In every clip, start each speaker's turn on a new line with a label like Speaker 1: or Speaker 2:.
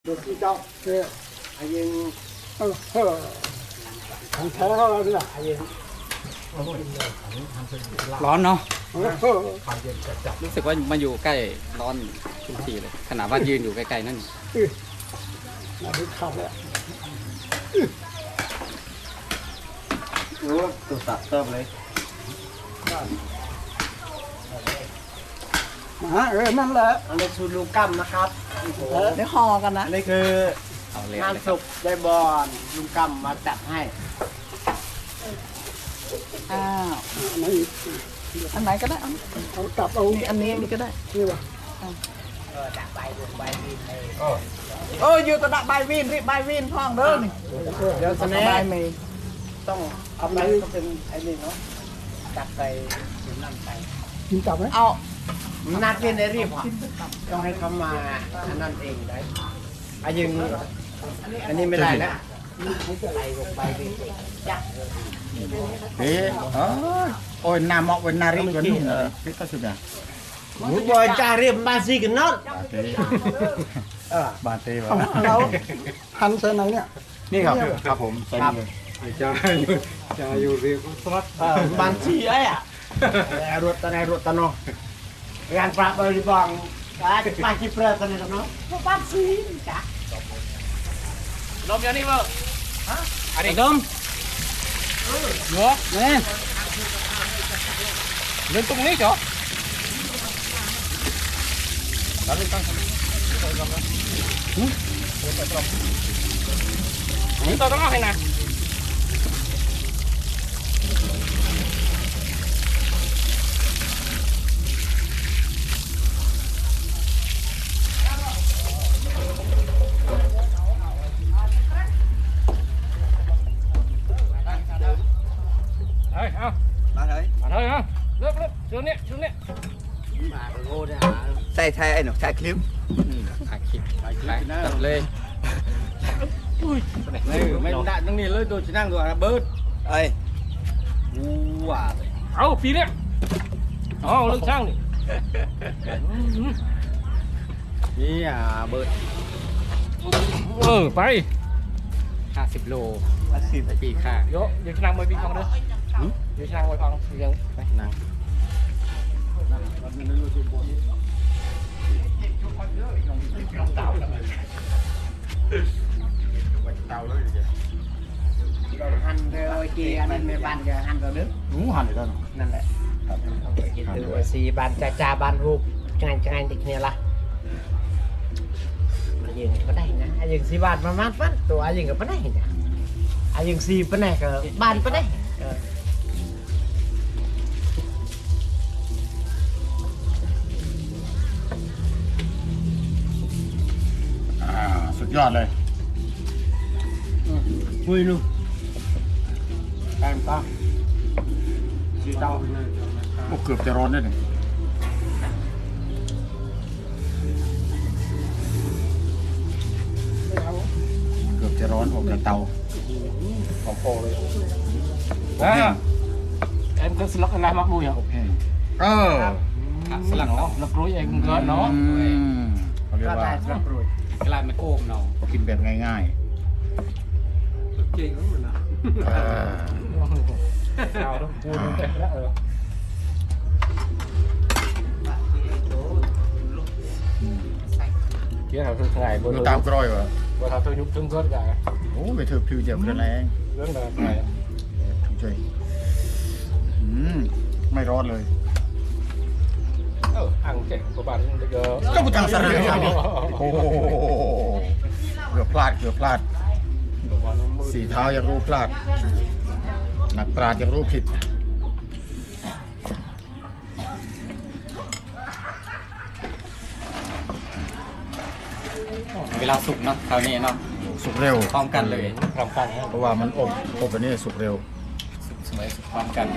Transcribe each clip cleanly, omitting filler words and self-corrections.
Speaker 1: được chi trong kia anh em thằng thế thôi là anh em
Speaker 2: ร้อนเนาะรู้สึกว่ามาอยู่ใกล้ร้อนทุกทีเลยขนาดว่ายืนอยู่ไกลๆนั่น
Speaker 1: là đi học đấy
Speaker 3: โอ้ตัวตัดเติมเลย
Speaker 1: màนั่นแหละ
Speaker 3: อันนี้คือลูกกั้มนะครับ
Speaker 4: เดี๋ยวห่อกันนะ
Speaker 3: อันนี้คือ
Speaker 2: เอาเลย
Speaker 3: งานสุกได้บอลลุงกั้มมาจัดให้
Speaker 4: อ้าว
Speaker 1: này
Speaker 4: อันไหนก็ได้เอา
Speaker 1: ông tập ông
Speaker 4: นี่อันนี้นี่ก็ได้
Speaker 1: như vậy
Speaker 3: จัดใบลงใบดินเลย
Speaker 4: เอออยู่ตะดะใบวินรีบใบวินพองเด้อนี่
Speaker 3: เดี๋ยวส
Speaker 4: ตะ
Speaker 3: แน็
Speaker 4: ใบ
Speaker 3: ค
Speaker 4: เมย์
Speaker 3: ต้องเอาไปก็เป็นไอ้นี่เนาะจัดไปถึงนั่นไป
Speaker 1: đi tập ấy
Speaker 4: เอา
Speaker 3: นักเรียนได้รีบต้องให้เขามาอันนั่นเองได้อายึงอันนี้ไม่ได้แล้วใบลงใบดินจัด
Speaker 5: Thế, ôi nam mọc với nari vẫn biết có sự nào.
Speaker 3: หมูบอยจ่าเรียบมาซีกันน็อต
Speaker 5: Thế,
Speaker 3: เออ
Speaker 5: bà tê vào.
Speaker 1: ông đâu hành xe này nè
Speaker 5: Đi gặp, gặpผม
Speaker 3: ครับ
Speaker 1: cha yêu việc tốt
Speaker 3: บางทีไอ้อะแต่รถตะไนรถตะโนงานปราบบริบองไปที่เปลือกตะไนตะโนบางทีจ้ะ
Speaker 2: ลมอย่างนี้เปล่าอันนี้ดมเหรอเนี่ยเล่นตรงนี้เหรอแล้วเล่นตั้งนี่ตัวต้องเอาให้นะเฮ้ยเอา
Speaker 5: Bà thấy.
Speaker 2: มาเลยเอาเลิกช่วงนี้
Speaker 3: มาโง่เนี่ย
Speaker 5: Thay anh nó thay clip.
Speaker 2: ถ่ายคลิปตัดเลยไม่ได้ตรงนี้เลยตัวจะนั่งตัวเบิร์ด
Speaker 5: Ê,
Speaker 3: ว้า
Speaker 2: เอาปีเนี้ยเอาเรื่องช่างนี่
Speaker 3: นี่อ่ะเบิร์ด
Speaker 2: ไป50 โลไปปีค่าเยอะยังนั่งมวยปีฟังเด้อยังนั่งมวยฟังยังไปนั่ง
Speaker 3: หันเร็วไอ้กีอันนั้นไม่บานจะหันเราดึก
Speaker 5: ngủ hẳn rồi đó.
Speaker 3: นั่นแหละดูสีบานจ่าบานรูปจังไงติดเนี่ยละอายุก็ได้นะอายุสีบานประมาณฟันตัวอายุก็ไม่ได้นะอายุสีเป็นไงก็บานไม่ได้
Speaker 5: À, sụt giọt này.
Speaker 3: คุยนู่นแอมต้าสีเต้า
Speaker 5: Một cướp chả rôn đấy này. Cướp chả rôn, một cái tàu.
Speaker 3: ของโปเลย
Speaker 2: em cứ slot anh mắc đuôi hả
Speaker 5: Ờ.
Speaker 2: สลักเนาะลักรุยเองเกินเนาะ
Speaker 5: เขาเรีย
Speaker 3: ก็
Speaker 5: ก
Speaker 3: ได้
Speaker 5: ว่า
Speaker 3: สำหรับรวย
Speaker 2: กลายเป็นโอ่งเนาะ
Speaker 5: กินแบบง่าย
Speaker 2: จริงมันนะ
Speaker 5: ๆ
Speaker 2: เอาต้องพูดตั้งแต่แล้วเกี่ยวกับทุกไงบน
Speaker 5: Nó tao coi vào.
Speaker 2: บนทางตัวยุบตึ้งเกินกัน
Speaker 5: Ủa, mày thử phiêu dẹp cái này.
Speaker 2: เรื่องอะไร
Speaker 5: Thử chơi. Mày rótเลย.
Speaker 2: อ่างเจ็บกว่าบ้านเยอะ
Speaker 5: ก็กูจังสระโอ้โหเกือบพลาดเกือบพลาดสีเท้ายังรู้พลาดนักปราชญ์ยังรู้ผิด
Speaker 2: เวลาสุกเนาะคราวนี้เนาะ
Speaker 5: สุกเร็ว
Speaker 2: พร้อมกันเลยพร้อมกัน
Speaker 5: เพราะว่ามันอบอันนี้สุกเร็ว
Speaker 2: สุกสวยพร้อมกัน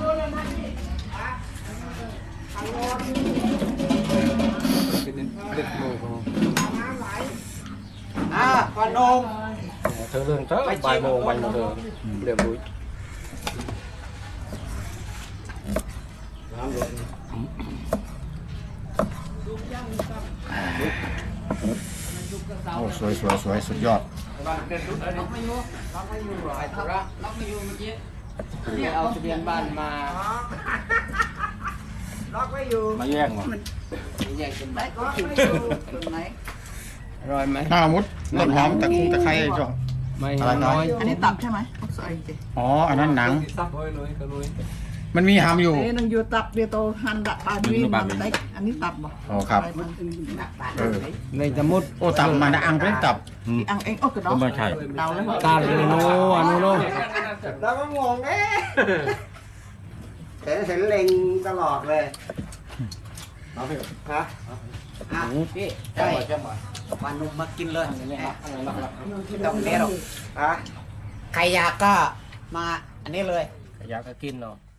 Speaker 3: ขนม
Speaker 2: เธอเรื่องเธอบ่ายโมงวันเธอเรียบร้อย
Speaker 3: เ
Speaker 5: โอ้สวยสวยสวยสุดยอด
Speaker 3: เอาทะเบียนบ้านมา
Speaker 4: ล็อกไว้อยู่
Speaker 2: มาแยกมั้ง
Speaker 3: แยกเป็น
Speaker 4: ได้ก็ไม่อยู่ตรงไหน
Speaker 3: อร่อยไหม
Speaker 5: หน้ามุดต้นหอมตะคุ่มตะไคร้จ้ะ
Speaker 3: ไม่
Speaker 5: อะไรน้อย
Speaker 4: อันนี้ตับใช่ไหมใส่จริง
Speaker 5: อ๋ออันนั้นหนัง มันมีหามอยู่
Speaker 4: เอ้ยนังอยู่ตับเดียวโตหันดับบายวีนมันได้อันนี้ตับบ่
Speaker 5: อ๋อครับ เออ
Speaker 3: ในสมุด
Speaker 5: โอ้ตับมานะอังเป็นตับ
Speaker 4: อีอังเองโอ้กระดอง
Speaker 2: ไม่ใช่
Speaker 4: เดาแล้ว
Speaker 3: ตาลโนอันโน
Speaker 6: เราก็งงเอ๊ะเห็นเล็งตลอดเลยฮะ
Speaker 3: พี่
Speaker 6: ใช่ปานุ่มมากินเลยตรงนี้หรอกฮะใครอยากก็มาอันนี้เลย
Speaker 2: อยากกินเนาะ